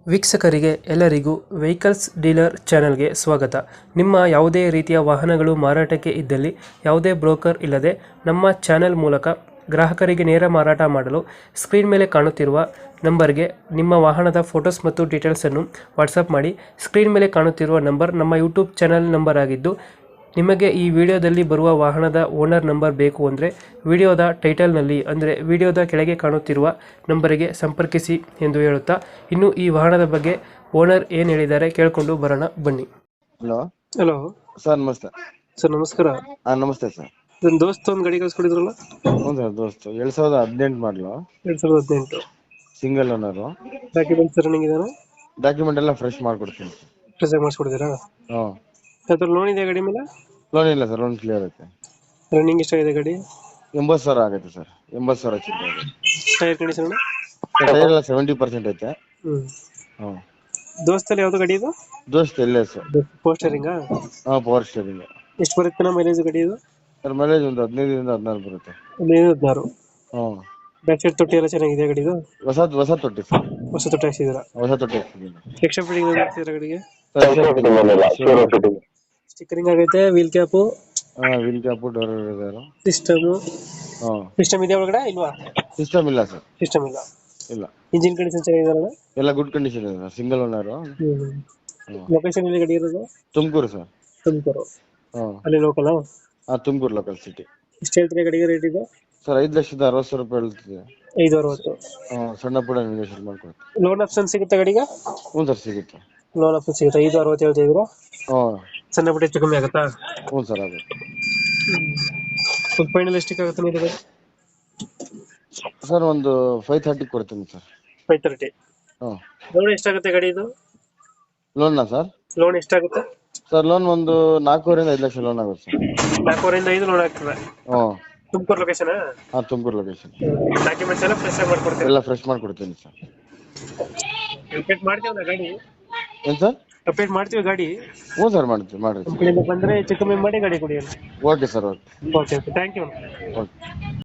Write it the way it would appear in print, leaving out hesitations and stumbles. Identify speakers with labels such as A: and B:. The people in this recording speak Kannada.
A: ವೀಕ್ಷಕರಿಗೆ ಎಲ್ಲರಿಗೂ ವೆಹಿಕಲ್ಸ್ ಡೀಲರ್ ಚಾನೆಲ್ಗೆ ಸ್ವಾಗತ. ನಿಮ್ಮ ಯಾವುದೇ ರೀತಿಯ ವಾಹನಗಳು ಮಾರಾಟಕ್ಕೆ ಇದ್ದಲ್ಲಿ ಯಾವುದೇ ಬ್ರೋಕರ್ ಇಲ್ಲದೆ ನಮ್ಮ ಚಾನೆಲ್ ಮೂಲಕ ಗ್ರಾಹಕರಿಗೆ ನೇರ ಮಾರಾಟ ಮಾಡಲು ಸ್ಕ್ರೀನ್ ಮೇಲೆ ಕಾಣುತ್ತಿರುವ ನಂಬರ್ಗೆ ನಿಮ್ಮ ವಾಹನದ ಫೋಟೋಸ್ ಮತ್ತು ಡೀಟೇಲ್ಸನ್ನು ವಾಟ್ಸಪ್ ಮಾಡಿ. ಸ್ಕ್ರೀನ್ ಮೇಲೆ ಕಾಣುತ್ತಿರುವ ನಂಬರ್ ನಮ್ಮ ಯೂಟ್ಯೂಬ್ ಚಾನೆಲ್ ನಂಬರ್ ಆಗಿದ್ದು, ನಿಮಗೆ ಈ ವಿಡಿಯೋದಲ್ಲಿ ಬರುವ ವಾಹನದ ಓನರ್ ನಂಬರ್ ಬೇಕು ಅಂದರೆ ವಿಡಿಯೋದ ಟೈಟಲ್ನಲ್ಲಿ ಅಂದರೆ ವಿಡಿಯೋದ ಕೆಳಗೆ ಕಾಣುತ್ತಿರುವ ನಂಬರಿಗೆ ಸಂಪರ್ಕಿಸಿ ಎಂದು ಹೇಳುತ್ತಾ, ಇನ್ನು ಈ ವಾಹನದ ಬಗ್ಗೆ ಓನರ್ ಏನು ಹೇಳಿದ್ದಾರೆ ಕೇಳಿಕೊಂಡು ಬರೋಣ ಬನ್ನಿ.
B: ಹಲೋ
A: ಹಲೋ
B: ಸರ್, ನಮಸ್ತೆ.
A: ಸರ್, ನಮಸ್ಕಾರ.
B: ನಮಸ್ತೆ ಸರ್.
A: ನನ್ನ ದೋಸ್ತ ಒಂದು ಗಾಡಿ ಕಳ್ಸ್ಕೊಡಿದ್ರಲ್ಲ?
B: ಹ್ಞೂ ಸರ್, ದೋಸ್ತು 2018 ಮಾಡಲು,
A: 2018
B: ಸಿಂಗಲ್ ಓನರು.
A: ಡಾಕ್ಯುಮೆಂಟ್ಸ್ ರನ್ನಿಂಗ್ ಇದೆಯಾ?
B: ಡಾಕ್ಯುಮೆಂಟ್ ಎಲ್ಲ ಫ್ರೆಶ್ ಮಾಡ್ಕೊಡ್ತೀನಿ.
A: ಫ್ರೆಶ್ ಆಗಿ ಮಾಡಿಸ್ಕೊಡಿದ್ದೀರಾ?
B: ಹ್ಞೂ.
A: ಯಾವ್ದಾದ್ರು ಲೋನ್ ಇದೆಯಾ ಗಾಡಿ ಮೇಲೆ?
B: ಲೋನ್ ಇಲ್ಲ ಸರ್, ಲೋನ್ ಕ್ಲಿಯರ್ ಐತೆ.
A: ರನ್ನಿಂಗ್ ಎಷ್ಟಾಗಿದೆ ಗಾಡಿ?
B: 80,000 ಆಗೈತೆ ಸರ್. 80,000 ಚಿಲ್ಲರೆ.
A: Tyre condition?
B: ಟೈರ್ ಎಲ್ಲ 70% ಐತೆ. ಹ್ಞೂ.
A: ದೋಸ್ತಲ್ಲಿ ಯಾವ್ದು ಗಾಡಿ ಇದು?
B: ದೋಸ್ತ್ ಎಲ್ಲೇ ಸರ್.
A: ಪೋಸ್ಟರಿಂಗಾ?
B: ಹಾಂ, ಪವರ್ ಸ್ಟೇರಿಂಗ್.
A: ಎಷ್ಟು ಬರುತ್ತೆ ಮೈಲೇಜ್ ಗಾಡಿ ಇದು?
B: ಸರ್, ಮೈಲೇಜ್ ಒಂದು 15ರಿಂದ 16 ಬರುತ್ತೆ.
A: 15-16.
B: ಹ್ಞೂ.
A: ಬ್ಯಾಕ್ ಸೈಡ್ ತೊಟ್ಟಿ ಎಲ್ಲ ಚೆನ್ನಾಗಿದೆ ಗಾಡಿದು?
B: ಹೊಸ ತೊಟ್ಟಿ ಸರ್.
A: ಹೊಸ ತೊಟ್ಟಿ ಹಾಕ್ಸಿದ್ದೀರಾ?
B: ಹೊಸ ತೊಟ್ಟಿ ಹಾಕ್ಸಿದ್ದೀನಿ.
A: ಎಕ್ಸ್ಟ್ರಾ ಫಿಟ್ಟಿಂಗ್ ಮಾಡ್ತಿದ್ದೀರಾ ಗಾಡಿಗೆ? ಸ್ಟಿಕ್ಕರಿಂಗ್ ಆಗೈತೆ, ವೀಲ್ ಕ್ಯಾಪು?
B: ಹಾಂ, ವೀಲ್ ಕ್ಯಾಪು, ಡೋರ್ ಇದಾರೆ.
A: ಸಿಸ್ಟಮು?
B: ಹಾಂ.
A: ಸಿಸ್ಟಮ್ ಇದೆಯಾ ಒಳಗಡೆ ಇಲ್ವಾ?
B: ಸಿಸ್ಟಮ್ ಇಲ್ಲ ಸರ್.
A: ಸಿಸ್ಟಮ್ ಇಲ್ಲ.
B: ಇಲ್ಲ.
A: ಇಂಜಿನ್ ಕಂಡೀಷನ್ ಚೆನ್ನಾಗಿದಾರಲ್ಲ?
B: ಎಲ್ಲ ಗುಡ್ ಕಂಡೀಷನ್ ಇದೆ ಸರ್. Single owner.
A: ಲೊಕೇಶನ್ ಎಲ್ಲಿ ಗಾಡಿ ಇರೋದು?
B: ತುಮಕೂರು ಸರ್.
A: ತುಮಕೂರು.
B: ಹಾಂ.
A: ಅಲ್ಲಿ ಲೋಕಲ್?
B: ಹಾಂ, ತುಮಕೂರು ಲೋಕಲ್ ಸಿಟಿ.
A: ಎಷ್ಟು ಹೇಳ್ತೀರಾ ಗಾಡಿಗೆ ರೇಟ್ ಇದು?
B: ಸರ್, 5,60,000 ರೂಪಾಯಿ ಹೇಳ್ತಿದೆ.
A: 560.
B: ಹಾಂ, ಸಣ್ಣ ಪುಟ್ಟ ನೆಗೋಷಿಯೇಟ್ ಮಾಡ್ಕೊಡ್ತೀವಿ.
A: ಲೋನ್ ಆಪ್ಷನ್ ಸಿಗುತ್ತೆ ಗಾಡಿಗೆ?
B: ಹ್ಞೂ ಸರ್, ಸಿಗುತ್ತೆ.
A: ಲೋನ್ ಆಪ್ಷನ್ ಸಿಗುತ್ತೆ. 560 ಹೇಳ್ತಾ ಇದ್ದೀರಾ?
B: ಹಾಂ.
A: ಸಣ್ಣ ಪುಟ್ಟ ಹೆಚ್ಚು ಕಮ್ಮಿ ಆಗುತ್ತಾ?
B: ಹ್ಞೂ ಸರ್, ಆಗುತ್ತೆ.
A: ಒಂದು ಫೈನಲ್ ಎಷ್ಟಕ್ಕೆ ಆಗುತ್ತೆ ನೀವು?
B: ಸರ್, ಒಂದು 530 ಕೊಡ್ತೀನಿ ಸರ್.
A: 530.
B: ಹಾಂ.
A: ಲೋನ್ ಎಷ್ಟಾಗುತ್ತೆ ಗಾಡಿ ಇದು?
B: ಲೋನ್ನಾ ಸರ್?
A: ಲೋನ್ ಎಷ್ಟಾಗುತ್ತೆ?
B: ಸರ್, ಲೋನ್ ಒಂದು 4,500,000 5 ಲಕ್ಷ ಲೋನ್ ಆಗುತ್ತೆ ಸರ್.
A: 4ರಿಂದ 5 ಲೋನ್ ಆಗ್ತದೆ?
B: ಹ್ಞೂ.
A: ತುಮಕೂರು ಲೊಕೇಶನ್?
B: ಹಾಂ, ತುಮಕೂರು ಲೊಕೇಶನ್.
A: ಡಾಕ್ಯುಮೆಂಟ್ಸ್ ಎಲ್ಲ ಫ್ರೆಶ್ ಆಗಿ ಮಾಡ್ಕೊಡ್ತೀರಾ?
B: ಎಲ್ಲ ಫ್ರೆಶ್ ಮಾಡ್ಕೊಡ್ತೀನಿ ಸರ್.
A: ಅಪ್ಡೇಟ್ ಮಾಡ್ತೀವಿ ಗಾಡಿ?
B: ಏನು ಸರ್?
A: ಅಪ್ಡೇಟ್ ಮಾಡ್ತೀವಿ ಗಾಡಿ?
B: ಹ್ಞೂ ಸರ್, ಮಾಡ್ತೀವಿ.
A: ಕಂಪನಿಯಿಂದ ಬಂದರೆ ಹೆಚ್ಚು ಕಮ್ಮಿ ಮಾಡಿ ಗಾಡಿ ಕೊಡಿ.
B: Okay sir, okay.
A: Okay, thank you.
B: Okay.